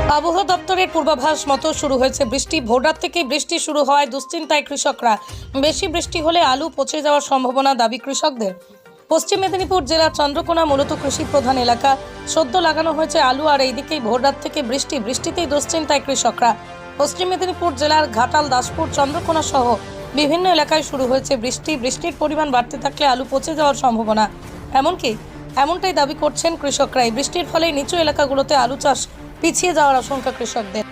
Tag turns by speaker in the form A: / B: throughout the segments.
A: আবহাওয়া দপ্তরের পূর্বাভাস মতো শুরু হয়েছে বৃষ্টি। ভোররাত থেকেই বৃষ্টি শুরু হওয়ায় দুশ্চিন্তায় কৃষকরা। বেশি বৃষ্টি হলে আলু পচে যাওয়ার সম্ভাবনা দাবি কৃষকদের। পশ্চিম মেদিনীপুর জেলার চন্দ্রকোনা মূলত কৃষি প্রধান এলাকা। সদ্য লাগানো হয়েছে আলু, আর এইদিকেই ভোররাত থেকে বৃষ্টিতেই দুশ্চিন্তায় কৃষকরা। পশ্চিম মেদিনীপুর জেলার ঘাটাল, দাসপুর, চন্দ্রকোনা সহ বিভিন্ন এলাকায় শুরু হয়েছে বৃষ্টির পরিমাণ বাড়তে থাকলে আলু পচে যাওয়ার সম্ভাবনা। এমনটাই দাবি করছেন কৃষকরা। এই বৃষ্টির ফলে নিচু এলাকাগুলোতে আলু চাষ পিছিয়ে যাওয়ার আশঙ্কা কৃষকদের।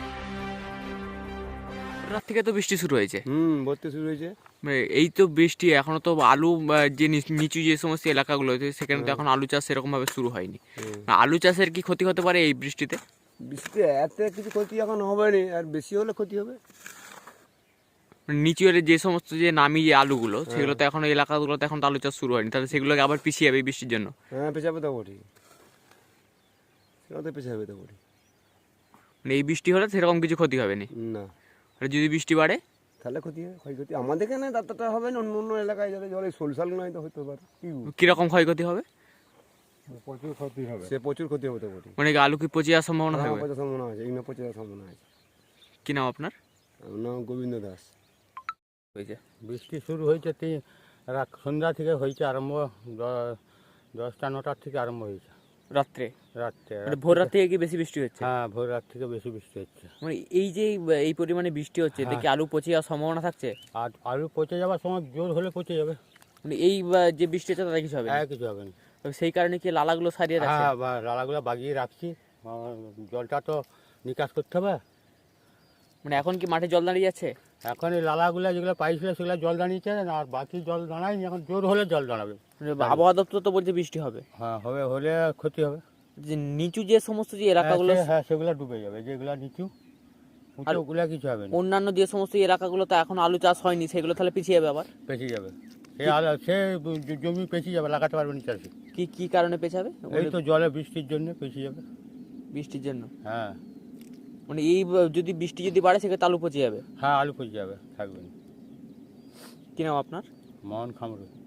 B: রাত থেকে তো বৃষ্টি শুরু হয়েছে।
C: বলতে শুরু হয়েছে।
B: এই তো বৃষ্টি, এখনো তো আলু যে নিচু যে সমস্ত এলাকাগুলো আছে সেখানে তো এখন আলু চাষ সেরকম ভাবে শুরু হয়নি। আলু চাষের কি ক্ষতি হতে পারে এই বৃষ্টিতে?
C: বৃষ্টিতে এত কিছু ক্ষতি এখন হবে না, আর বেশি হলে ক্ষতি হবে।
B: নিচু এর যে সমস্ত যে নামি যে আলুগুলো সেগুলো তো এখন এলাকাগুলোতে এখন তো আলু চাষ শুরু হয়নি, তাহলে সেগুলোকে আবার পিছিয়ে যাবে এই বৃষ্টির জন্য।
C: হ্যাঁ, পেছাবে তো বটি, সেটা তো পেছাবে তো বটি।
B: মানে এই বৃষ্টি হলে সেরকম কিছু ক্ষতি হবে
C: না,
B: আর যদি বৃষ্টি বাড়ে
C: তাহলে ক্ষতি হবে, ক্ষয়ক্ষতি আমাদের এখানে ততটা হবে না। অন্য অন্য এলাকায় যাতে জলে সলসাল নয় তো হতে পারে।
B: কিরকম ক্ষয়ক্ষতি হবে?
C: প্রচুর ক্ষতি হবে, সে প্রচুর ক্ষতি হবে তো বটি।
B: মানে আলু কি পচে যাওয়ার সম্ভাবনা থাকবে?
C: পচা সম্ভাবনা আছে, এই না পচে যাওয়ার সম্ভাবনা আছে।
B: কি নাম আপনার?
C: আমার নাম গোবিন্দ দাস।
B: হয়েছে
D: বৃষ্টি শুরু হয়েছে সন্ধ্যা থেকে হয়েছে আরম্ভ, 10টা-9টার থেকে আরম্ভ হয়েছে
B: রাত্রে।
D: রাত্রে
B: ভোর রাত থেকে কি বেশি বৃষ্টি হচ্ছে?
D: হ্যাঁ, ভোর রাত থেকে বেশি বৃষ্টি হচ্ছে।
B: মানে এই যে এই পরিমাণে বৃষ্টি হচ্ছে এতে কি আলু পচে যাওয়ার সম্ভাবনা থাকছে?
D: আর আলু পচে যাওয়ার সময় জোর হলে পচে যাবে।
B: মানে এই যে বৃষ্টি হচ্ছে তাতে কিছু হবে না?
D: কিছু হবে না।
B: তবে সেই কারণে কি লালাগুলো সারিয়ে রাখছে?
D: হ্যাঁ, লালাগুলো বাগিয়ে রাখছি। জলটা তো নিকাশ করতে হবে।
B: মানে এখন কি মাঠে জল দাঁড়িয়ে যাচ্ছে?
D: এখন এই লালাগুলো যেগুলো পাইছিল সেগুলো জল দাঁড়িয়েছে, আর বাকি জল দাঁড়ায়নি। এখন জোর হলে জল দাঁড়াবে।
B: আবহাওয়া দপ্তর তো বলছে বৃষ্টি হবে।
D: হ্যাঁ, হলে ক্ষতি হবে।
B: যে নিচু যে সমস্ত যে এলাকাগুলো,
D: হ্যাঁ, সেগুলো ডুবে যাবে। যেগুলো নিচু ওগুলো কিছু হবে না।
B: অন্যান্য যে সমস্ত এলাকাগুলো তো এখন আলু চাষ হয়নি সেগুলো তাহলে পিছিয়ে যাবে আবার?
D: পেঁচিয়ে যাবে, সে জমি পেঁচিয়ে যাবে, লাগাতে পারবে না চাষি।
B: কি কারণে পেছাবে?
D: এই তো জলে বৃষ্টির জন্য পেঁচিয়ে যাবে।
B: বৃষ্টির জন্য?
D: হ্যাঁ।
B: মানে এই যদি বৃষ্টি যদি বাড়ে সেক্ষেত্রে আলু পচে যাবে?
D: হ্যাঁ, আলু পচে যাবে, থাকবে না।
B: কি নাম আপনার?
D: মোহন খামরু।